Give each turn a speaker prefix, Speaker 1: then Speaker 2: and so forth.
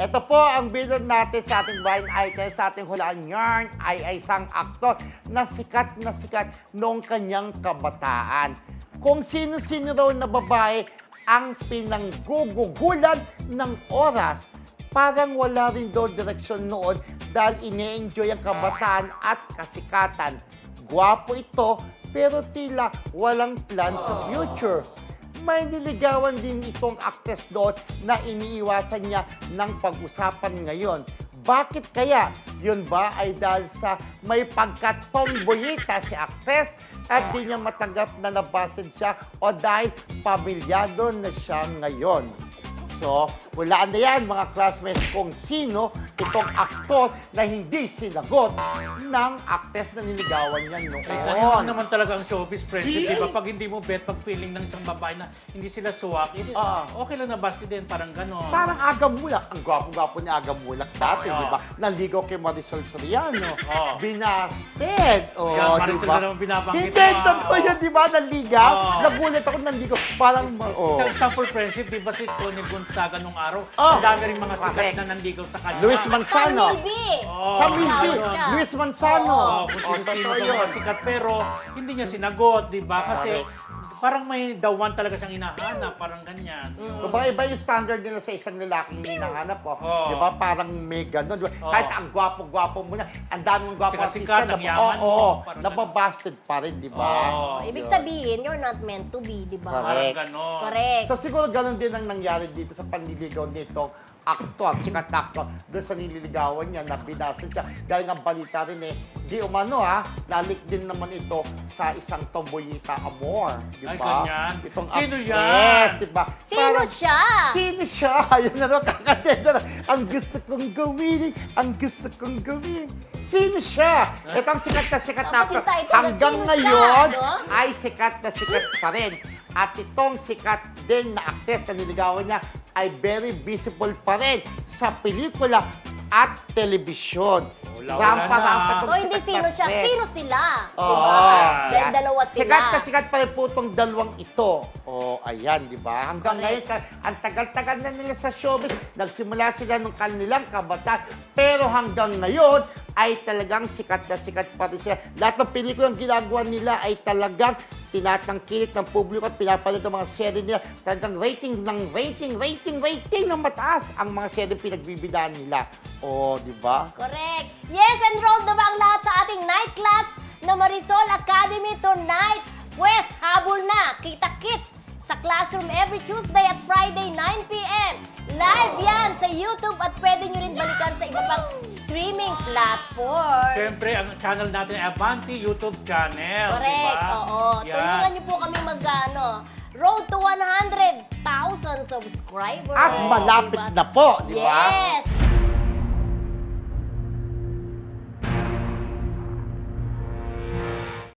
Speaker 1: Ito po ang bilang natin sa ating blind item, sa ating hulaan yarn ay isang aktor na sikat noong kanyang kabataan. Kung sino-sino raw na babae ang pinanggugugulan ng oras, parang wala rin daw direksyon noon dahil ine-enjoy ang kabataan at kasikatan. Gwapo ito pero tila walang plan sa future. May niligawan din itong actress doon na iniiwasan niya ng pag-usapan ngayon. Bakit kaya? Yun ba ay dahil sa may pagka-tomboyita si actress at di niya matanggap na nabasin siya o dahil pamilyado na siya ngayon? So, hulaan na yan mga classmates kung sino itong aktor na hindi sinagot ng actress na niligawan niya noon.
Speaker 2: Ganyan naman talaga ang showbiz friendship, di ba? Pag hindi mo bet, pag feeling ng isang babae na hindi sila suwak, okay lang na basti din, parang gano'n.
Speaker 1: Parang Aga Mulak. Ang gwapo-gwapo ni Aga Mulak dati, di ba? Naligaw kay Marisol Soriano. Binasted.
Speaker 2: Yan,
Speaker 1: Di
Speaker 2: Marisol
Speaker 1: ba?
Speaker 2: na naman binabanggit.
Speaker 1: Hindi, totoo yun, di ba? Naligaw. Nagulat ako naligaw. Parang,
Speaker 2: Isang for friendship, di ba si Tony Gonzaga nung araw? Ang dami rin mga sikat
Speaker 1: correct.
Speaker 2: na nandigaw sa kanya.
Speaker 1: Luis Manzano.
Speaker 3: Sa Milby.
Speaker 1: Sa Milby.
Speaker 3: siya.
Speaker 1: Luis Manzano.
Speaker 2: Kung sino-sino
Speaker 1: Totoo
Speaker 2: daw
Speaker 1: yun.
Speaker 2: mga sikat, pero hindi niya sinagot, di ba? Kasi parang may dawan talaga siyang hinahanap, parang ganyan.
Speaker 1: Kumbaga iba yung standard nila sa isang lalaking hinahanap po. Di ba? Parang may gano'n. Di ba? Kahit ang gwapo-gwapo mo na, ang daming gwapo
Speaker 2: Sikat-sikat,
Speaker 1: artista,
Speaker 2: ang yaman mo. Parang
Speaker 1: nababasted pa rin, di ba?
Speaker 3: Ibig sabihin, you're not meant to be, di ba?
Speaker 2: Parang gano'n.
Speaker 3: Correct.
Speaker 1: So siguro gano'n din ang nangyari dito sa panliligaw nitong aktor, sikat na aktor, doon sa nililigawan niya na binasa siya. Dahil ang balita rin di umano nalik din naman ito sa isang tomboyita amor, di
Speaker 2: Ay,
Speaker 1: ba?
Speaker 2: ganyan.
Speaker 1: Itong
Speaker 2: Sino
Speaker 1: actress,
Speaker 2: yan?
Speaker 1: di ba?
Speaker 3: Sino
Speaker 1: Parang,
Speaker 3: siya?
Speaker 1: Sino siya? Ayun na rin, kakatenda na. Ang gusto kong gawin, ang gusto kong gawin. Sino siya? Ito ang sikat na
Speaker 3: Dapat
Speaker 1: actor.
Speaker 3: yung title,
Speaker 1: Hanggang
Speaker 3: sino
Speaker 1: ngayon,
Speaker 3: siya, no?
Speaker 1: ay sikat na sikat pa rin. At itong sikat din na actress na niligawan niya ay very visible pa rin sa pelikula at telebisyon.
Speaker 2: Wala na.
Speaker 3: So, hindi sino siya, sino sila?
Speaker 1: Oo.
Speaker 3: Diba? Dahil dalawa sila.
Speaker 1: Sikat na sikat pa rin po itong dalawang ito. Ayan, di ba? Hanggang ngayon, ang tagal-tagal na nila sa showbiz. Nagsimula sila nung kanilang kabataan. Pero hanggang ngayon, ay talagang sikat pa rin sila. Lahat ng pelikulang ginagawa nila ay talagang tinatangkilik ng publiko at pinapanood ng mga serye nila. Talagang rating ng mataas ang mga serye pinagbibidaan nila. Di ba?
Speaker 3: Correct. Yes, enrolled na ba ang lahat sa ating night class na Marisol Academy tonight? Pwes, habol na. Kita-kits sa classroom every Tuesday at Friday, 9 p.m. Live yan sa YouTube at pwede nyo rin balikan sa iba pang streaming platforms.
Speaker 2: Siyempre, ang channel natin ay Avanti YouTube channel.
Speaker 3: Correct,
Speaker 2: Diba?
Speaker 3: oo. Tulungan niyo po kami road to 100,000 subscribers.
Speaker 1: At malapit
Speaker 3: Diba?
Speaker 1: na po, di ba?
Speaker 3: Yes!